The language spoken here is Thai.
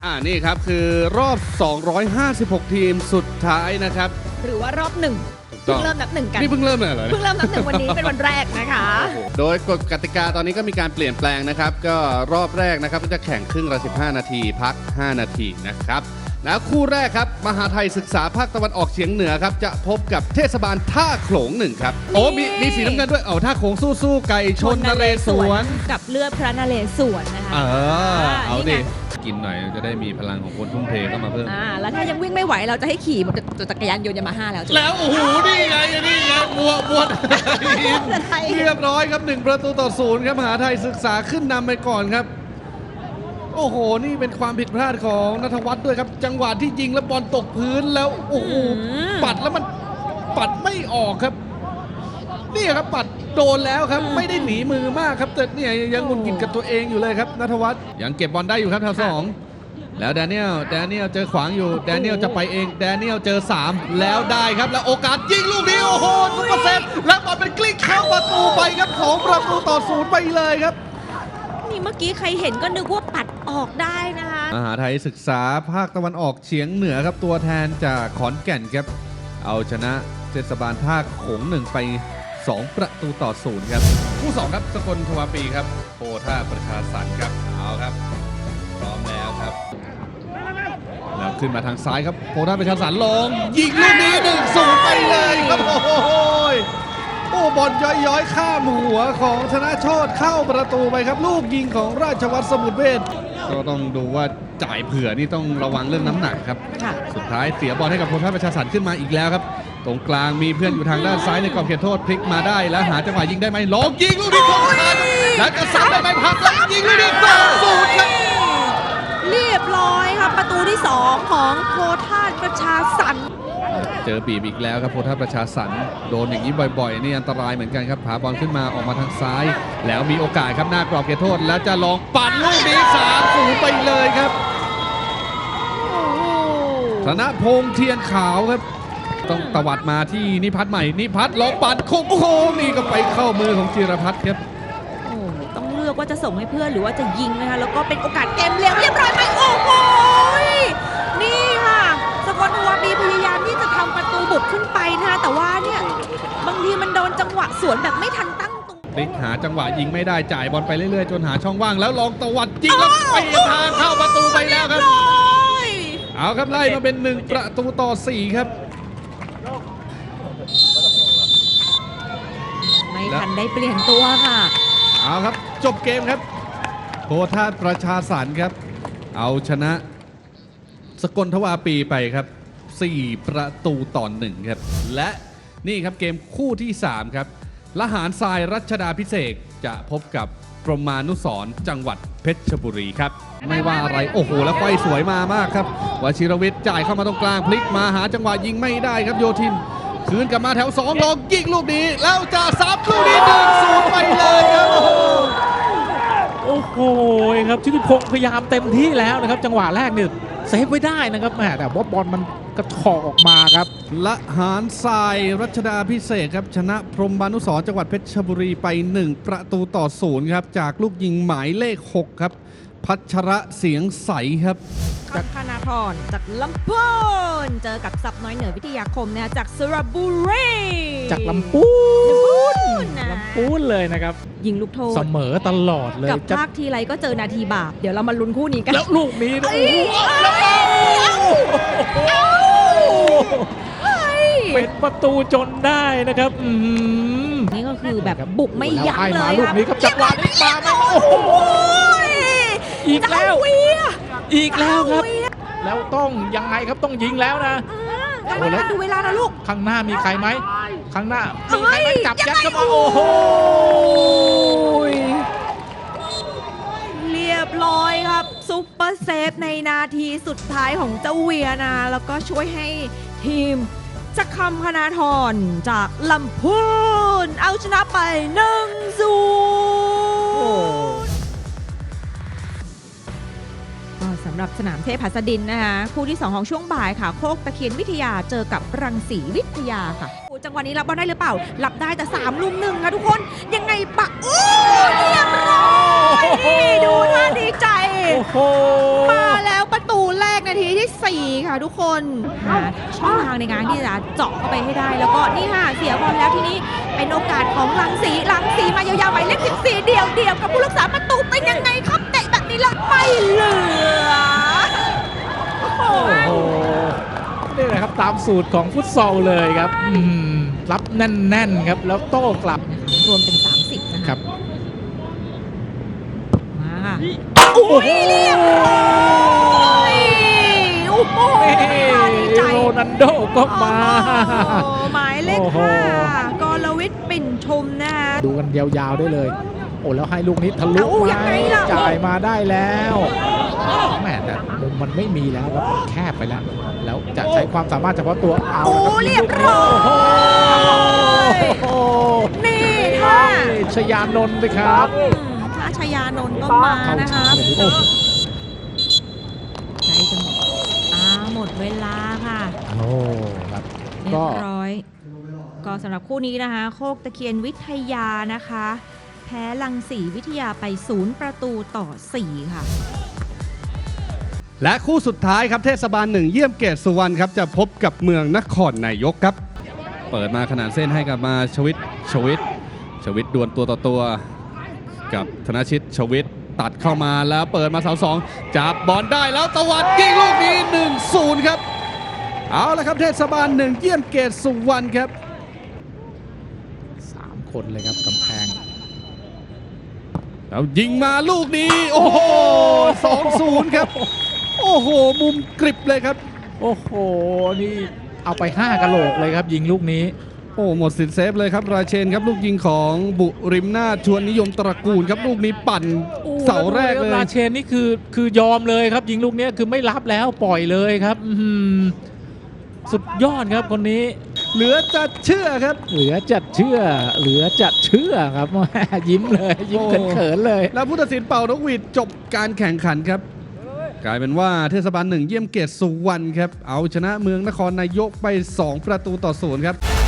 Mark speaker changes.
Speaker 1: นี่ครับคือรอบ 256 ทีมสุดท้ายนะครับ
Speaker 2: หรือว่ารอบหนึ่งเพิ่งเริ่มนับหนึ่งกัน
Speaker 1: นี่เพิ่งเริ่มเลยเหรอ
Speaker 2: เพิ่งเริ่มนับหนึ่งวันนี้เป็นวันแรกนะคะ
Speaker 1: โดยกฎกติกาตอนนี้ก็มีการเปลี่ยนแปลงนะครับ ก็รอบแรกนะครับก็จะแข่งครึ่งละ15 นาทีพัก 5 นาทีนะครับแล้วคู่แรกครับมหาไทยศึกษาภาคตะวันออกเฉียงเหนือครับจะพบกับเทศบาลท่าโขลงหนึ่งครับโอ้มีสีน้ำเงินด้วยท่าโขลงสู้ไก่ชนนเรศวร
Speaker 2: กับเลือดพระนเรศวรนะคะ
Speaker 1: เอาดิกินหน่อยจะได้มีพลังของคนทุ่มเทเข้ามาเพิ่ม
Speaker 2: แล้วถ้ายังวิ่งไม่ไหวเราจะให้ขี่จักรยานยนต์ยามาฮ่าแล้ว
Speaker 1: โอ้โหนี่ไงบัวเรียบร้อยครับ1-0ครับมหาไทยศึกษาขึ้นนำไปก่อนครับโอ้โหนี่เป็นความผิดพลาดของณัฐวัฒน์ด้วยครับจังหวะที่ยิงแล้วบอลตกพื้นแล้วโอ้โหปัดแล้วมันปัดไม่ออกครับนี่ครับปัดโดนแล้วครับไม่ได้หนีมือมากครับแต่เนี่ยยังหงุดหงิดกับตัวเองอยู่เลยครับณัฐวัฒน์ยังเก็บบอลได้อยู่ครับแถว2แล้วแดเนียลเจอขวางอยู่แดเนียลจะไปเองแดเนียลเจอ3แล้วได้ครับแล้วโอกาสยิงลูกนี้โอ้โหซุปเปอร์เซฟแล้วบอลเป็นกลิ้งเข้าประตูไปครับ2-0ไปเลยครับ
Speaker 2: นี่เมื่อกี้ใครเห็นก็นึกว่าปัดออกได้นะคะ
Speaker 1: มหาไทยศึกษาภาคตะวันออกเฉียงเหนือครับตัวแทนจากขอนแก่นครับเอาชนะเทศบาลท่าโขง1ไป2-0ครับคู่2ครับสกลทวาปีครับโพธาประชาสรรค์ครับเอาครับพร้อมแล้วครับแล้วขึ้นมาทางซ้ายครับโพธาประชาสรรค์ลงยิงลูกนี้1-0ไปเลยครับโอ้บอลย้อยข้ามหัวของธนโชติเข้าประตูไปครับลูกยิงของราชวัฒน์สมุทรเวชก็ต้องดูว่าจ่ายเผื่อนี่ต้องระวังเรื่องน้ำหนักครับสุดท้ายเสียบอลให้กับโพธาประชาสรรค์ขึ้นมาอีกแล้วครับตรงกลางมีเพื่อนอยู่ทางด้านซ้ายในกรอบเขตโทษพลิกมาได้แล้วหาจังหวะยิงได้ไหมลองยิงลูกนี้คงทันแล้วจะซ้ำได้ไหมพักแล้วยิงลูกนี้2-0ครับ
Speaker 2: เรียบร้อยครับประตูที่2ของโพธาประชาสรรค์
Speaker 1: เจอบีบอีกแล้วครับโพธาประชาสรรค์โดนอย่างนี้บ่อยๆนี่อันตรายเหมือนกันครับผาบอลขึ้นมาออกมาทางซ้ายแล้วมีโอกาสครับหน้ากรอบเขตโทษแล้วจะลองปั่นลูกนี้3-0ไปเลยครับธนพงษ์เทียนขาวครับต้องตวัดมาที่นิพัฒน์ใหม่นิพัฒน์ลองปั่นโค้งนี่ก็ไปเข้ามือของจิรพัฒน์ครับ
Speaker 2: ต้องเลือกว่าจะส่งให้เพื่อนหรือว่าจะยิงนะคะแล้วก็เป็นโอกาสเกมเรียบร้อยไหมโอ้โหนี่ค่ะสกลทวาปีพยายามที่จะทำประตูบุกขึ้นไปนะคะแต่ว่าเนี่ยบางทีมันโดนจังหวะสวนแบบไม่ทันตั้งตัว
Speaker 1: พลิกหาจังหวะยิงไม่ได้จ่ายบอลไปเรื่อยๆจนหาช่องว่างแล้วลองตวัดยิงแล้วไปทางเข้าประตูไปแล้วครับเอาครับไล่มาเป็น1-4ครับ
Speaker 2: ไม่ทันได้เปลี่ยนตัวค่ะ
Speaker 1: เอาครับจบเกมครับโพธาประชาสรรค์ครับเอาชนะสกลทวาปีไปครับ4-1ครับและนี่ครับเกมคู่ที่3ครับละหารทรายรัชดาภิเษกจะพบกับกรมมานุสรณ์จังหวัดเพชรบุรีครับไม่ว่าอะไรโอ้โหแล้วไฟสวยมากครับวชิรวิทย์จ่ายเข้ามาตรงกลางพลิกมาหาจังหวะยิงไม่ได้ครับโยธินคืนกลับมาแถว2ลองยิงลูกนี้แล้วจะซับลูกนี้1-0ไปเลยครับ
Speaker 3: โอ้โหครับชิติพงศ์พยายามเต็มที่แล้วนะครับจังหวะแรกเนี่ยเซฟไว้ได้นะครับแต่ว่าบอลมันกระชอกออกมาครับ
Speaker 1: ละหารทรายรัชดาภิเษกครับชนะพรหมมานุสรณ์จังหวัดเพชรบุรีไป1-0ครับจากลูกยิงหมายเลข6ครับพัชระเสียงใสครับ
Speaker 2: จากธนาธรจากลำพูนเจอกับซับน้อยเหนือวิทยาคมเนี่ยจากสระบุรี
Speaker 3: จากลำพูนเลยนะครับ
Speaker 2: ยิงลูกโทษ
Speaker 3: เสมอตลอดเลย
Speaker 2: กับภาคทีไรก็เจอนาทีบาปเดี๋ยวเรามาลุ้นคู่นี้กัน
Speaker 3: แล้วลูกนี้เป็นประตูจนได้นะครับ
Speaker 2: นี่ก็คือแบบบุกไม่ยั้งเลย
Speaker 3: ลูกนี้ครับจังหวะนี้มาไม่โอ้โหอีกแล้วครับแล้วต้องยังไงครับต้องยิงแล้วนะ
Speaker 2: ดูเวลานะลูก
Speaker 3: ข้างหน้ามีใครไหมข้างหน้ามีใครไหมจับยัดเข้ามาโอ้โห
Speaker 2: เรียบร้อยครับซุปเปอร์เซฟในนาทีสุดท้ายของเจ้าเวียนะแล้วก็ช่วยให้ทีมจักรคำคณาธรจากลำพูนเอาชนะไป1-0สำหรับสนามเทพหัสดินนะคะคู่ที่2ของช่วงบ่ายค่ะโคกตะเคียนวิทยาเจอกับรังสีวิทยาค่ะจังหวะนี้รับบอลได้หรือเปล่ารับได้แต่3 ลุม 1ค่ะทุกคนยังไงปะเรียบร้อยนี่ดูท่าดีใจมาแล้วประตู 4 ค่ะทุกคนหาช่องทางในการที่จะเจาะเข้าไปให้ได้แล้วก็นี่ค่ะเสียบอลแล้วทีนี้เป็นโอกาสของลังสีมายาวๆหมายเลข14เดี่ยวกับผู้รักษาประตูเป็นยังไงครับเตะแบบนี้ละไม่เหลือโอ้โห
Speaker 3: โอ้โหนี่แหละครับตามสูตรของฟุตซอลเลยครับรับแน่นๆครับแล้วโต้กลับ
Speaker 2: รวมเป็น 30 นะคะ
Speaker 3: ครับ
Speaker 2: มาค่ะโอ้ยเรียบร้อยโอ้โหดีใจ
Speaker 3: โรนัลโดก็มา
Speaker 2: โอ้โหหมายเลข
Speaker 3: โอ้โห
Speaker 2: 5กรวิทย์ปิ่นชมนะคะ
Speaker 3: ดูกันยาวๆได้เลย โอ้แล้วให้ลูกนี้ทะลุ
Speaker 2: เอายั
Speaker 3: มาง
Speaker 2: ไงล่ะ
Speaker 3: จ่ายมาได้แล้วแหม่แต่มุมมันไม่มีแล้วครับมันแคบไปแล้ว แล้วจะใช้ความสามารถเฉพาะตัวเอา
Speaker 2: โอ้
Speaker 3: ละครับ
Speaker 2: เรียบร้อย
Speaker 3: โอ้โห
Speaker 2: นี่ค่ะ
Speaker 3: ชยานนท์ไปครับ
Speaker 2: ถ้าชยานนท์ก็มานะคะ
Speaker 3: โอ้โห
Speaker 2: ใจจะหมดหมดเวลาค่ะ
Speaker 3: โอ้ครับ
Speaker 2: เรีย
Speaker 3: ก็
Speaker 2: บร้อย ก็สำหรับคู่นี้นะคะ โคกตะเคียนวิทยานะคะ แพ้ลังสีวิทยาไป0-4 ค่ะ
Speaker 1: และคู่สุดท้ายครับเทศบาล 1 เยี่ยมเกตสุวรรณครับจะพบกับเมืองนครนายกครับ เปิดมาขนาดเส้นให้กับมาชวิตดวลตัวต่อตัวกับธนชิตชวิตตัดเข้ามาแล้วเปิดมาเสา 2จับบอลได้แล้วตวัดยิงลูกนี้ 1-0 ครับ เอาละครับเทศบาล 1 เยี่ยมเกตสุวรรณครับ
Speaker 3: 3 คนเลยครับกำแพง
Speaker 1: แล้วยิงมาลูกนี้ โอ้โห 2-0 ครับ โอ้โห มุมกริบเลยครับ
Speaker 3: โอ้โห นี่เอาไป 5กะโหลกเลยครับ ยิงลูกนี้
Speaker 1: โอ้หมดสิทธิ์เซฟเลยครับราเชนครับลูกยิงของบุริมนาถชวนนิยมตระกูลครับลูกนี้ปั่นเสาแรกเลย
Speaker 3: ราเชนนี่คือยอมเลยครับ ยิงลูกนี้คือไม่รับแล้วปล่อยเลยครับสุดยอดครับคนนี้
Speaker 1: เหลือจะเชื่อครับ
Speaker 3: เหลือจัดเชื่อครับ ยิ้มเลยยิ้ม
Speaker 1: โอ้
Speaker 3: เขินๆเลย
Speaker 1: แล้วผู้ตัดสินเป่านกหวีดจบการแข่งขันครับ กลายเป็นว่าเทศบาล 1 เยี่ยมเกตสุวรรณครับเอาชนะเมืองนครนายกไป2-0 ครับ